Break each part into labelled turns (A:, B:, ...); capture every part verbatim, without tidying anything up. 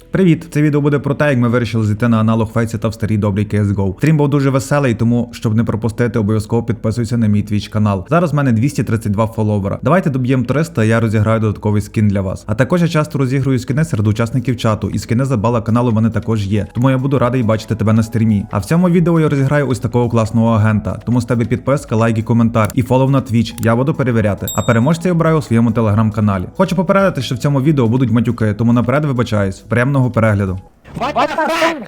A: Привіт! Це відео буде про те, як ми вирішили зійти на аналог Фейсіта в старій добрій кей ес го. Стрім був дуже веселий, тому, щоб не пропустити, обов'язково підписуйся на мій твіч канал. Зараз в мене двісті тридцять два фоловера. Давайте доб'ємо триста, і я розіграю додатковий скін для вас. А також я часто розіграю скіни серед учасників чату, і скіни за бала каналу в мене також є. Тому я буду радий бачити тебе на стрімі. А в цьому відео я розіграю ось такого класного агента. Тому з тебе підписка, лайк і коментар. І фолов на твіч. Я буду перевіряти. А переможця я обираю у своєму телеграм-каналі. Хочу попередити, що в цьому відео будуть матюки, тому наперед вибачаюсь. Приємного перегляду.
B: What the fuck?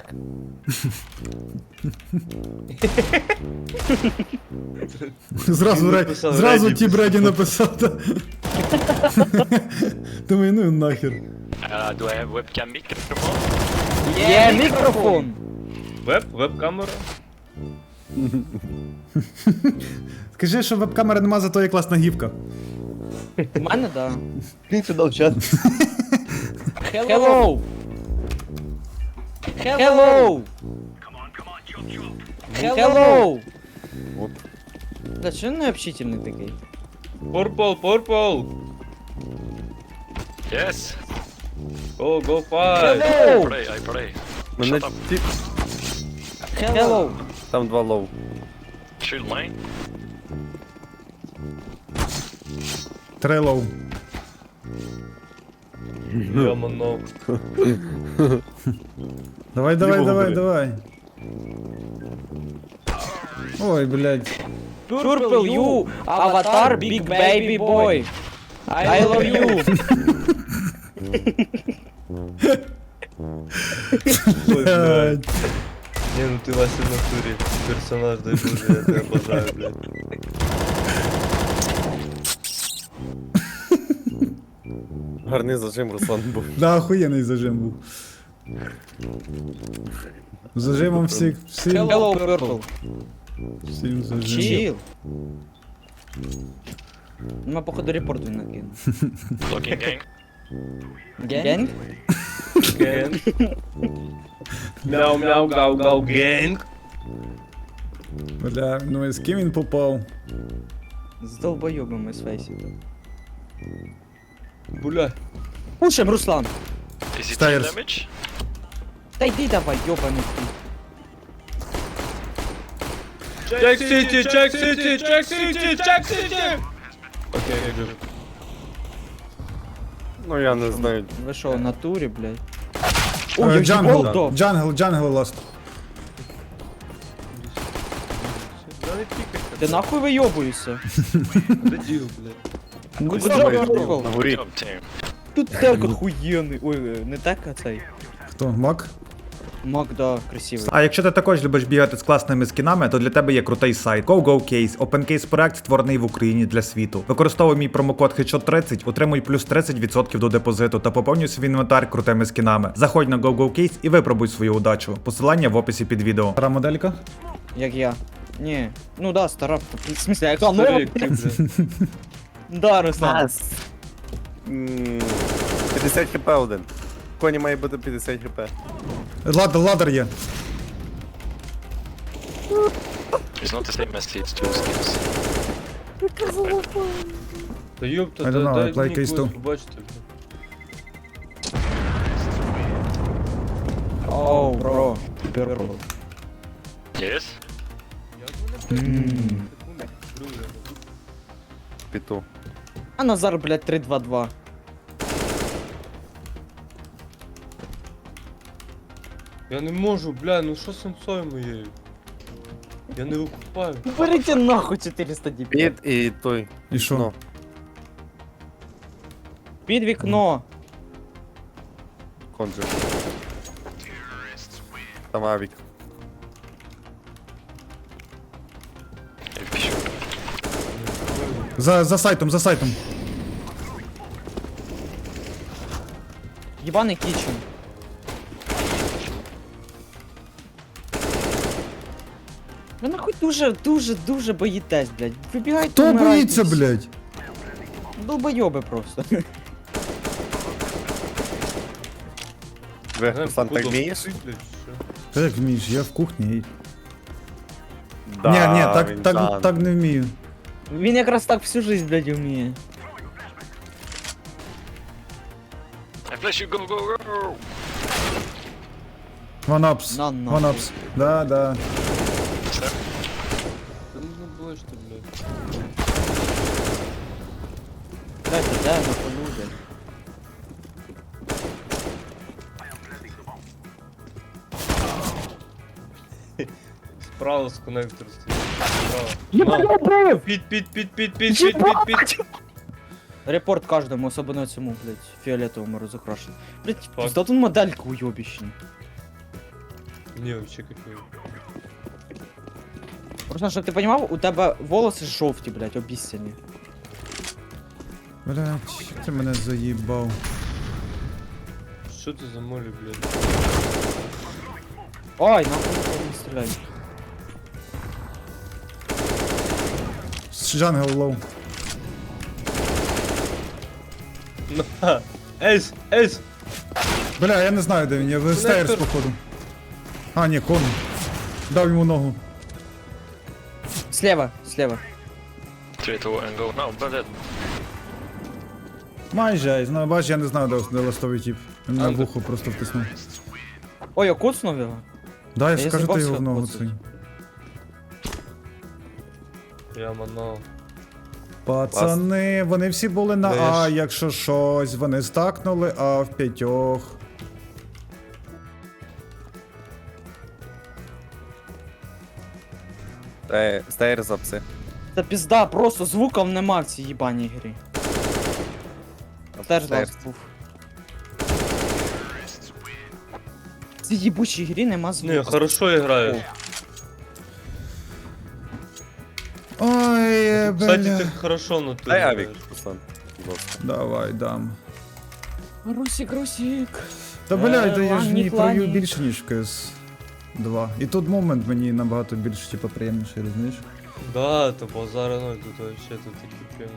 A: Зразу, ре... Зразу ті Бреді написав. Думаю, ну нахер.
C: Uh, do I have webcam microphone?
B: Є мікрофон.
D: Веб? Веб-камера?
A: Скажи, що веб-камери нема, зато є класна гівка.
B: У мене, да.
E: Він сюди в чат.
B: Hello. Hello. Hello.
E: Вот.
B: Да, що він необщительний такий?
D: Purple, purple!
C: Yes.
D: Go, go fight!
C: I
B: Hello.
C: pray, I pray.
E: Мене
C: Shut up.
E: ті...
B: Hello.
E: Там два лоу.
C: Shield mine.
A: Трейлоу.
D: Я манов.
A: Давай, давай,
E: Любого
A: давай,
E: бери.
A: давай. Ой, блядь.
B: Purple you, avatar, big baby boy. I love you.
D: Ой, блядь. Ні, ну ти Вася в натурі. Персонаж, дай Боже, я тебе бажаю, блядь.
E: Гарний зажим, Руслан був.
A: Да, охуєнний зажим був. Зажимом всіх, всім,
B: Hello, Purple.
A: всім зажим.
B: Chill. Ну, походу репорт він накинув.
C: Looking gang.
B: Генг?
D: Генг. Мяу, мяу, гау, гау, генг.
A: Бля, ну і з ким він попав?
B: З долбойобами з фейсіта.
D: Бля.
B: Пушим, Руслан.
C: Is it
A: Stairs.
C: team damage?
B: Та йди давай, йобаний ти.
D: Check City, check City, check City, check City! Окей, good.
E: Ну я не знаю.
B: Ви що, в натурі, блядь?
A: Е,
B: Ой, я
A: Джангл,
B: Голдо.
A: джангл, джангл ласт.
D: Да не тікай.
B: Ти нахуй вийобуєшся?
D: Де діл, блядь?
B: Ну,
E: Ось
B: куди
E: там
B: ви
E: є
B: Purple?
E: на горі.
C: Job team.
B: Тут так охуєнний. Ой, е, не так, а цей.
A: Хто? Мак?
B: Мак, да, красивий.
A: А якщо ти також любиш бігати з класними скінами, то для тебе є крутий сайт GoGoCase. OpenCase проект створений в Україні для світу. Використовуй мій промокод хедшот тридцять, отримуй плюс тридцять відсотків до депозиту та поповнюй свій інвентар крутими скінами. Заходь на GoGoCase і випробуй свою удачу. Посилання в описі під відео. Стара моделька?
B: Як я. Ні. Ну да, стара. В смысле, яка нова?
D: Старик, ти, блядь.
B: Да, Руслан.
E: М, п'ятдесят хп один. Коні має бути п'ятдесят хп.
A: Ладер, ладер є.
C: It's not the same as it's two skills.
D: Та ёпта,
A: I don't
D: дай
A: know, I
D: дай
A: play
D: мені
A: Case
D: когось
A: two.
D: побачити, блядь.
B: Оу, бро. Purple.
C: Yes.
E: Піту.
B: А Назар, блядь, три два два.
D: Я не можу, бля, ну що з сенсою моєю? Я не викупаю.
B: Берите нахуй чотириста діб.
E: Піт і той.
A: І що?
E: Ну,
B: Під вікно.
E: конджер. Там авік.
C: If you shoot.
A: За, за сайтом, за сайтом.
B: Єбаний кічен. Ви нахуй дуже, дуже, дуже боїтесь, блядь. Вибігайте,
A: Хто
B: вмирайте
A: боїться,
B: всі.
A: блядь?
B: Долбойоби просто.
E: Ви,
D: Знаєш,
E: Руслан, так
D: походу,
E: вмієш?
D: ти, блядь, що?
A: Та як вмієш, я в кухні. і-
E: Да,
A: ні, ні, так,
E: він
A: так,
E: жан.
A: так не вмію.
B: Він якраз так всю жизнь, блядь, вміє.
C: I flash you, go, go, go!
A: Ванапс.
B: На, на.
A: Ванапс. Да, да.
C: Sir?
D: Та ну забудь, що, блядь.
B: Дайте, де на полю, блядь.
D: Справа з коннектор стоїть. Справа. На.
B: убив!
D: Під, під, під, під, під, під, під, під.
B: Репорт кожному, особливо цьому, блядь, фіолетовому розукрашеному. Блядь,
D: Так.
B: пізда тут моделька уйобищна.
D: Ні, вообще какой.
B: Просто, щоб ти понімав, у тебе волоси жовті, блядь, обіцяні.
A: Блять, ти мене заїбав.
D: Що це за молі, блядь?
B: Ой, нахуй не стріляй.
A: Джангл лоу.
D: На. Ейс, ейс!
A: Бля, я не знаю, де він, я в стейрс
D: Коннектор.
A: походу. А, ні, кон. Дав йому ногу.
B: Слева, слева.
C: three, two, and go. No, but that...
A: Майже, я знаю, бач, я не знаю, де, де ластовий тіп. Він на
D: Андер.
A: вухо просто втиснув.
B: Ой, я коцнув його?
A: Да, я
B: я
A: скажу, ти
B: забався
A: його в ногу
B: оцей.
A: цей.
D: Я манав.
A: Пацани, вони всі були на
D: Де
A: А,
D: ж?
A: якщо щось, вони стакнули А в п'ятьох.
E: Е, Стейр за пси.
B: Та пізда, просто звуків нема в цій їбаній грі. Теж
E: Стейр.
B: ласт був. В цій їбучій грі нема звуків.
D: Не, хорошо граєш.
A: Ой,
D: Кстати,
A: бля.
D: ти хорошо на ту
E: Дай авік,
D: граєш.
E: Руслан. будь ласка.
A: Давай, дам.
B: Русік, Русік.
A: Та блядь,
B: Е,
A: я ж не
B: Ланік,
A: прою
B: Ланік.
A: більше, ніж в КС два. І тут момент мені набагато більш типу, приємніший, розумієш?
D: Да, то базара, ну тут вообще тут такі прямо.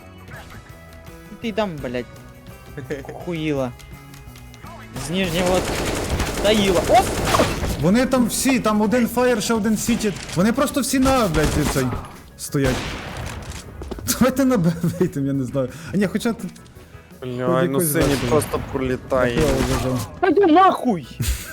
B: Ти там, блядь. Хуїла. З нижнього таїла. Оп!
A: Вони там всі, там один фаєр, ще один сіті. Вони просто всі на, блядь, цей стоять. Давайте на Б вийдемо, я не знаю. А ні, хоча тут
E: Бля, ну
A: якось
E: синій
A: весело.
E: просто пролітає.
A: я вважав.
B: Та йди нахуй!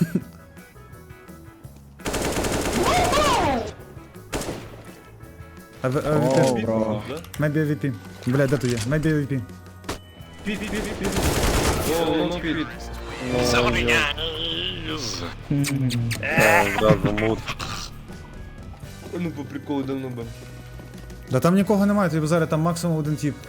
A: А ви- а
B: О,
A: ви пі-
B: бро.
D: Да?
A: Maybe ей ві пі. Бля, де то є? Maybe ей ві пі.
D: Під, під, під, під. О, ну під.
C: Somebody guys!
E: Е, Зразу мут.
D: Ну по приколу давно бем.
A: Да там нікого немає, тобі зараз там максимум один тіп.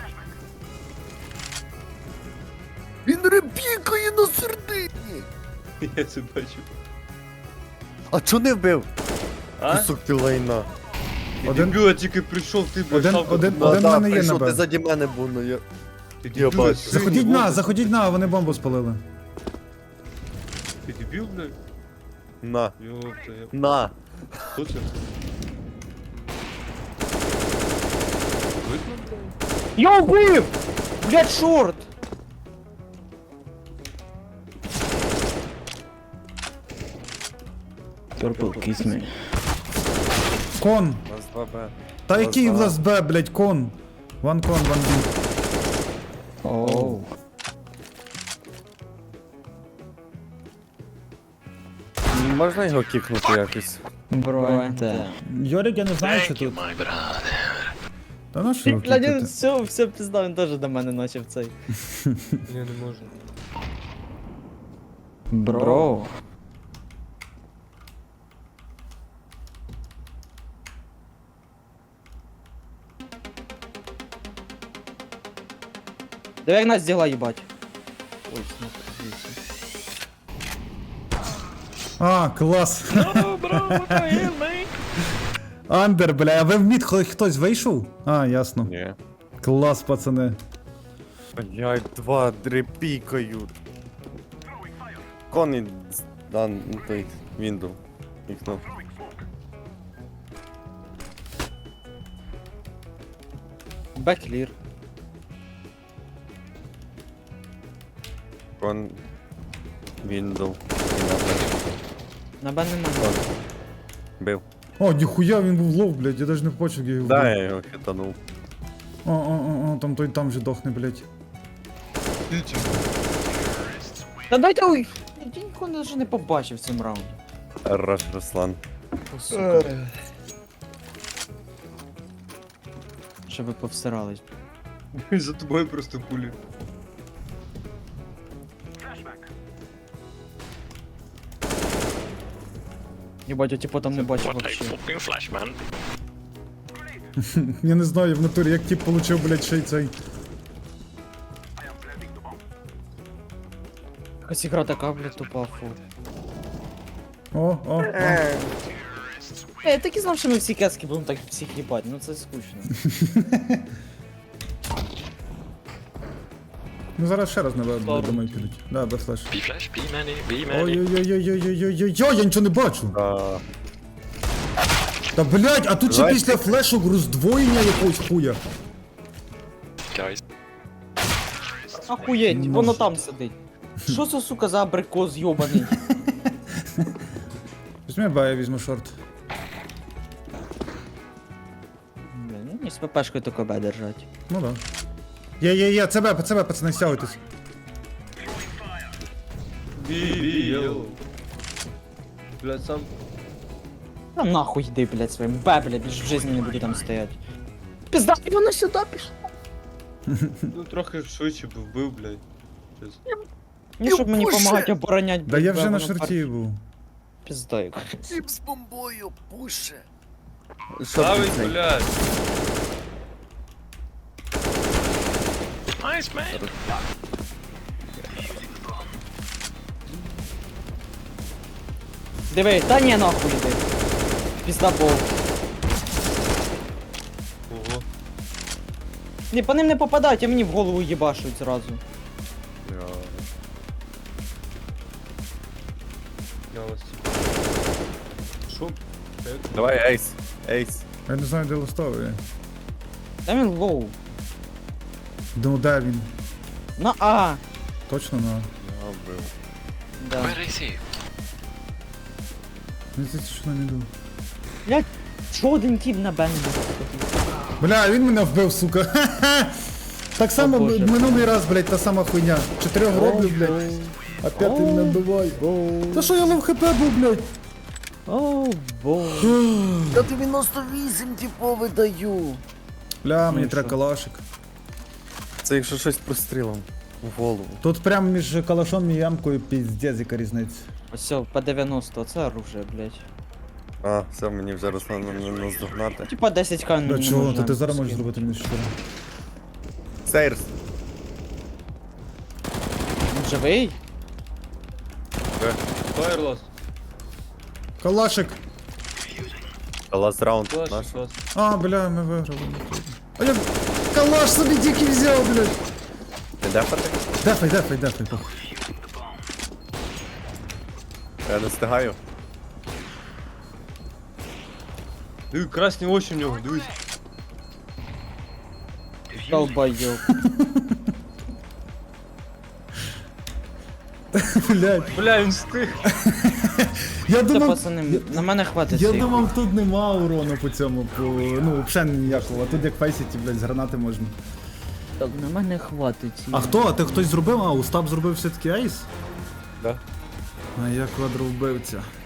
E: Він репікає на середині.
D: Я це бачу.
E: А чо не вбив?
D: А?
E: Кусок ти лайна.
A: Один-
D: Дебіл, я тільки прийшов, ти
A: Один-
D: бачав.
A: один-
E: Да,
A: Один в
E: да,
A: мене є
E: прийшов,
A: на Б.
E: ти заді мене був, ну я...
D: Ти
E: Я
D: дебіл,
E: бачу.
D: синій
A: Заходіть на,
D: волос.
A: заходіть на, вони бомбу спалили.
D: Ти дебіл, блядь?
E: На,
D: Ёпта, я...
E: на.
D: Хто це? Видно, блядь?
B: Я вбив! Блядь, шорт! Purple, kiss me.
A: Кон.
E: У нас два Б.
A: Та
E: Клас,
A: який в
E: ага.
A: нас Б, блядь, кон. Ван кон, ван бі.
B: Оу.
E: Можна його кікнути якось?
B: Бро, це.
A: Йорик, я не знаю, що
C: Thank you,
A: тут.
C: my brother.
A: Та на що його
B: Блядь,
A: кікати?
B: все, все пізда, він теж до мене начав цей.
D: Ні, не можу.
B: Бро. Давай як нас діла їбать. Ой, смотри.
A: А, клас.
C: No, bro, what the hell, man?
A: Андер, бля, а ви в мід хто- хтось вийшов? А, ясно.
E: Ні.
A: Клас, пацани.
E: Блядь, два дрепікають. Кон і... Да, ну той, Вінду. Кікнув.
B: Беклір.
E: Кон... Вінду.
B: На Б немає.
E: Кон. Бив.
A: О, ніхуя, він був лов, блядь, я навіть не побачив, як я його
E: Да,
A: вбив.
E: я його хитанув.
A: О, о, о, о, там той там же дохне, блядь.
D: Ти чи?
B: Та дайте уй! Я нікого навіть не побачив в цьому раунді.
E: Хорош, Руслан.
B: О, сука. Щоб ви повсирались.
D: За тобою просто пулі.
B: Єбать, я типу там не бачив
C: What a
B: вообще.
C: fucking flash, man.
A: Я не знаю в натурі, як тип получив, блядь, ще й цей.
B: Якась ігра така, блядь, тупа, фу.
A: О, о, о.
B: Е, я так і знав, що ми всі кески будемо так всіх їбать, ну це скучно.
A: Ну зараз ще раз, напевно,
B: Ладно.
A: думаю, підуть. Да, без флеш.
C: B flash, B many, B many.
A: Ой-ой-ой-ой-ой-ой-ой, я нічого не бачу.
E: А,
A: Та блядь, а тут ще
E: Давай.
A: після флешок роздвоєння якогось хуя.
C: Guys,
B: Ахуєть, воно там сидить. Що це, сука, за абрикос йобаний?
A: Візьми Б, я візьму шорт.
B: Блін, ну не з ППшкою тако Б держать.
A: Ну да. Є, є, є, це Б, це Б, пацани, стягуйтесь.
D: Бі-бі-йоу. Блядь, сам.
B: Та нахуй йди, блядь, своїм Б, блядь, більш в житті не буду там стоять. Пізда, і воно сюди пішло.
D: Ну трохи швидше б вбив, блядь. Щас.
B: Ні, щоб мені помагати оборонять,
A: Да я
B: Б,
A: вже на
B: воно
A: шорті був.
B: пар- Пізда, яка.
E: Тіп з бомбою, пуше.
D: Ставить, блядь.
C: nice, man.
B: Диви, та ні, нахуй йди. Пізда бол.
D: Ого.
B: Не, по ним не попадають, а мені в голову їбашуть зразу.
D: Я вас типу. Шо?
E: Давай, ейс. Ейс.
A: Я не знаю, де листовий.
B: Та він лоу.
A: Ну де він?
B: На А.
A: Точно на.
E: Я вбив.
B: Да.
C: Where is he?
A: Не здається, що не йду.
B: Блядь, що один тіп на Б не буде?
A: Бля, він мене вбив, сука. Ха-ха. Так само
B: Боже.
A: б- минулий раз, блядь, та сама хуйня. Чотирьох роблю, блядь. А п'ятий мене вбивай. Та що я лов хп був, блядь?
B: О, боже.
E: Я дев'яносто вісім типовий даю.
A: Бля, мені
B: і
A: треба
B: що?
A: калашик.
E: Це якщо щось прострілом в голову.
A: Тут прямо між калашом і ямкою піздець, яка різниця.
B: Ось по дев'яносто, це оружие, блядь.
E: А, все, мені вже Руслан не наздогнати.
B: Типа десять ка
A: Бля,
B: не
A: чого?
B: можна
A: То ти зараз можеш
B: скинути.
A: зробити мінус чотири.
E: Сейрс.
B: Він живий?
D: Фаєрлос.
A: Калашик!
E: Ласт раунд
D: Клас,
E: наш.
D: клас.
A: А, бля, ми виграли. А я калаш собі тільки взяв, блядь.
E: Ти дефати?
A: Дефай, дефай, дефай, похуй.
E: Я не встигаю.
D: Диви, красні очі в нього, дивись.
B: Долбайоб.
A: Блядь.
D: Бля, він встиг.
A: Я
B: Це
A: думав,
B: пацани, на мене хватить
A: я
B: цих.
A: думав, тут нема урону по цьому, по, ну, взагалі ніякого. А тут як фейсіті, блядь, з гранати можна.
B: Так, на мене хватить.
A: А хто? А ти хтось зробив? А, Устап зробив все-таки ейс?
E: Да.
A: А я квадровбивця.